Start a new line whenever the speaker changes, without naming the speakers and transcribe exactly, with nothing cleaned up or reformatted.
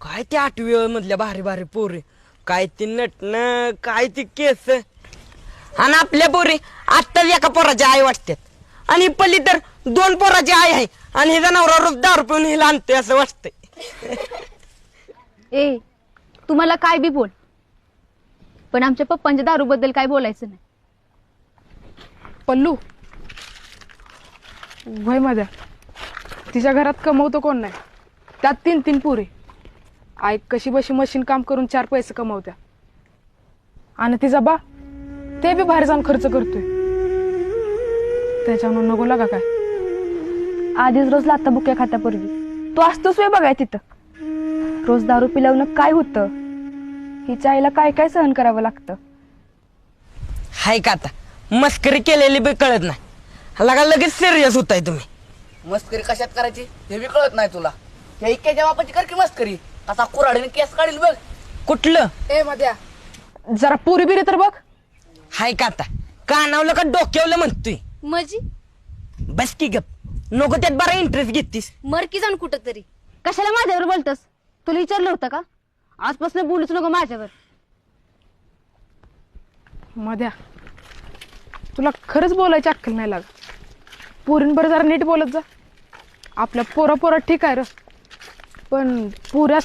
काय ते आठवी मधल्या भारी भारी पोरी, काय ती नटणं, काय ती केस. आणि आपल्या पोरी आत्ताच एका पोराची आई वाटतात आणि पल्ली तर दोन पोराची आई आहे आणि हिचा नवरा रोज दारू पिऊन हिला आणतोय असं वाटतंय.
ए तुम्हाला काय बी बोल, पण आमच्या पप्पांच्या दारू बद्दल काय बोलायचं नाही.
पल्लू वय माझ्या तिच्या घरात कमवतो कोण नाही, त्यात तीन तीन पुरे. आई कशी बशी मशीन काम करून चार पैसे कमवत्या आणि तिचा बा ते बी बाहेर जाऊन खर्च करतोय. त्याच्यामुळे नको लागा काय.
आधीच रोज लाता बुक्या खात्या पूर्वी तू असतोच वे बघाय तिथं. रोज दारू पिलवणं काय होतं, हिच्या आईला काय काय सहन करावं लागतं.
हाय का आता मस्करी केलेली बी कळत नाही, लगा लगेच सिरियस होताय तुम्ही.
मस्करी कशात करायची हे बी कळत नाही तुला. त्या इक्याच्या बापाची कर की मस्करी, कसा कुऱ्हाडीने केस काढील बघ.
कुठलं
ए मध्या जरा पुरी बिरी तर बघ.
हाय का आता कानावलं का डोक्यावलं म्हणतोय.
मजी
बस की गप, नको त्यात बरा इंटरेस्ट घेतीस.
मर की जाऊन कुठं तरी. कशाला माझ्यावर बोलतस, तुला विचारलं होतं का? आजपासून बोलूच नको माझ्यावर.
मध्या तुला खरंच बोलायची अक्कल नाही लागत. पोरींबर जरा नीट बोलत जा. आपल्या पोरा पोरा ठीक आहे र, पण पुऱ्या